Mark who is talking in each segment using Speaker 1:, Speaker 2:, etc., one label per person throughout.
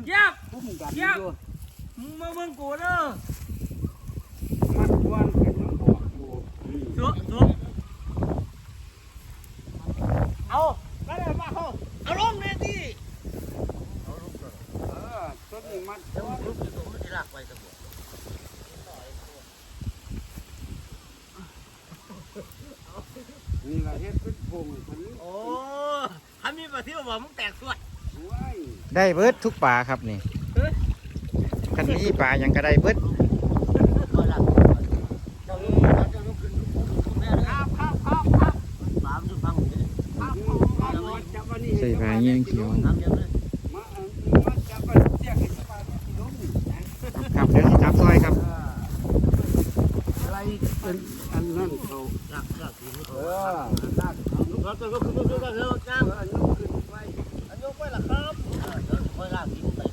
Speaker 1: เจี๊ยบ
Speaker 2: พุ่มกัน
Speaker 1: เจี๊ยบ
Speaker 2: อยู่
Speaker 1: มึงมาเบิ่งกูเด้อ
Speaker 2: มันควนกันยังบอกอยู่
Speaker 1: สุเอาแล้วเดี๋ยวมาเอาลงเลยดิ
Speaker 2: ต้นนี้มัน
Speaker 3: เดี๋ยวลุกอยู่ตรงที่ลากไปสมบูรณ์
Speaker 2: นี่ละเฮ็ดเป็นพงคนนี้
Speaker 1: โอ้ทำมีปลาที่บอกมึงแตกส่วน
Speaker 2: ไว้
Speaker 4: ได้เบิดทุกปลาครับนี่คันนี้ปลายังก็ได้เบิด
Speaker 3: ก็ลากเจ้าเจ้าลุกขึ้นแม่เลย
Speaker 1: ครับ
Speaker 3: ปามจุดพังเลย
Speaker 2: จับอันนี้
Speaker 4: ใส่ปลาเงี้ยงเขียว
Speaker 3: ทำเยอะเลย
Speaker 2: มาจับอันเสียกปลาที่ล้ม
Speaker 4: ครับเดี๋ยวสิจับซอยครับ
Speaker 2: อะไรเป็นอันนั้นเขา
Speaker 3: ลากทีนี้
Speaker 2: เออลาก
Speaker 3: เราจะลุกขึ้นลุกขึ้นแล้วจ้าง
Speaker 2: อันยกขึ้นไว้
Speaker 3: อันยกไปล่ะครับเดี๋ยวค่อยลากทีนี้ไป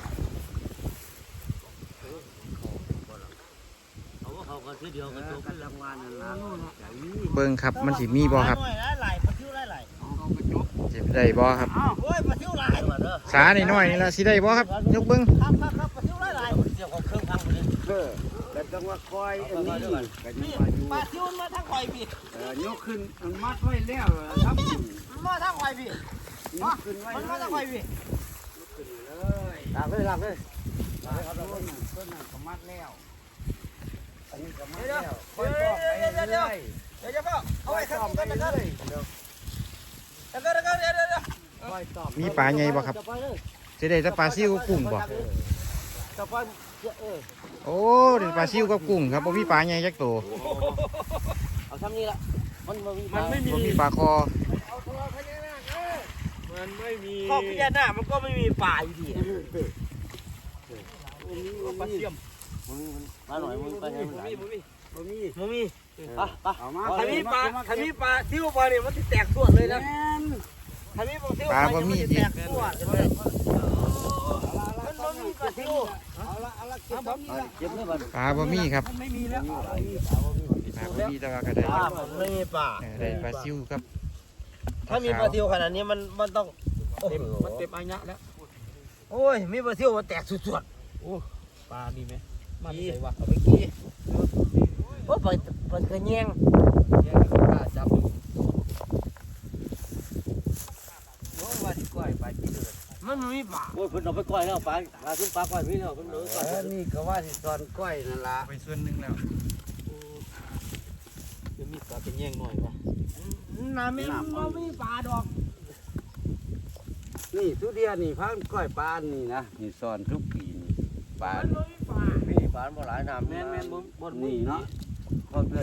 Speaker 3: เขาก็ทีเดียวกันจบ
Speaker 2: กันรางวัลนั่นล่ะอย่างนี้
Speaker 4: เบิ่งครับมันสิมีบ่ครับ
Speaker 3: ไหลปลาทิวไหล
Speaker 2: เขากระจก
Speaker 4: สิได้บ่ครับ
Speaker 3: โอ้ยปลาทิวไหลเด้อ
Speaker 4: สาหน่อยๆนี่ล่ะสิได้บ่ครับยกเบิ่ง
Speaker 3: ครับปลาทิวไหลเดี๋ยวเครื่องพังไปเลย
Speaker 2: แต่ต้องว่าคอยอันนี้ก็ยัง
Speaker 3: นี่
Speaker 2: ว่าอยู่
Speaker 3: ปลาทิวมาทางคอยพี่
Speaker 2: ยกขึ้นมันมัดไว้แล้วทำขึ้น
Speaker 3: มาทางคอยพี่
Speaker 2: ยกขึ้นไว้
Speaker 3: มัน
Speaker 2: เล
Speaker 3: มาทางคอย
Speaker 2: ย
Speaker 3: พี่
Speaker 2: ขึ้นเลย
Speaker 3: ลากเลยลากเลย
Speaker 2: ต้นนั้นก็มัดแล้วอันนี้ก็มัดแล้วคอยตอกไปเรื่อย
Speaker 3: เดี๋ยวจะพ่อ
Speaker 2: ๆคอยตอกไปเรื่อยๆ
Speaker 3: เดี๋ยว
Speaker 2: คอยตอก
Speaker 4: มีปลาใหญ่บ่ครับสิได้แต่ปลาซิวกับกุ้งบ่
Speaker 3: จะไปเออ
Speaker 4: โอ้ได้ปลาซิวกับกุ้งครับบ่มีปลาใหญ่จักตัว
Speaker 3: เอาทำนี่ละมันไม่
Speaker 4: บ่มีปลาคอ
Speaker 1: มันไม่มี
Speaker 3: ข้อพิจารณามันก็ไม่มีป่าอยู่ดี
Speaker 1: ปลาเสียม
Speaker 3: มาหน่อยมึงไปไหนมันไหล
Speaker 2: บ่มี
Speaker 3: มึงมีอ่ะไป
Speaker 2: เอามา
Speaker 1: ถ้ามีปลาซิวปลาเนี่ยมันจะแตกส่วนเลยนะ
Speaker 2: แม่น
Speaker 1: ถ้ามีปลาซิว
Speaker 4: ปลาบ่มี
Speaker 1: จะ
Speaker 4: อี
Speaker 1: แต
Speaker 4: ก
Speaker 1: กส่วนเลย
Speaker 3: มันบ่มีปลาทิว
Speaker 2: เอาละเก็บบ่มีละ
Speaker 3: เจ็บเลยมัน
Speaker 4: ปลาบ่มีครับ
Speaker 2: มันไม่มีแล้ว
Speaker 4: ปลาบ่มีแต่ว่าก็ได้
Speaker 3: ป่ามันไม่มีป่า
Speaker 4: ได้ปลาซิวครับ
Speaker 3: ถ้ามีปลาทิวขนาดนี้มันต้อง
Speaker 1: มันเต็มอายะแล้ว
Speaker 3: โอ้ยมีปลาทิวมันแตกสุด
Speaker 1: ปลามีไหมมันใส่วะ
Speaker 3: ๆเอาไปกี้โอ้ยปลากระแยง
Speaker 1: แยกกันปลาจับ
Speaker 2: โอ้ว่าสิก้อยไปกินเลย
Speaker 3: มันไม่มีป่าโอ้ยเพิ่นเอาไปก้อยแล้วปลาขึ้นปลาก้อยพี่แล้วเพิ่นเลยก้อย
Speaker 2: นี่ก็ว่าสิสอนก้อยนั่นล่ะ
Speaker 4: ไปส่วนหนึงแล้ว
Speaker 1: จะมีปลาเป็นแยงหน่อยปะ
Speaker 3: น้ำไม่มีป่าดอก
Speaker 2: นี่ทุเรียนนี่พันก้อยปลานี่นะนี่สอนทุกปีนี่ปลา
Speaker 3: มันไม่มีป่ามีป่าบ่หลายน้ำ
Speaker 2: นี่เนาะ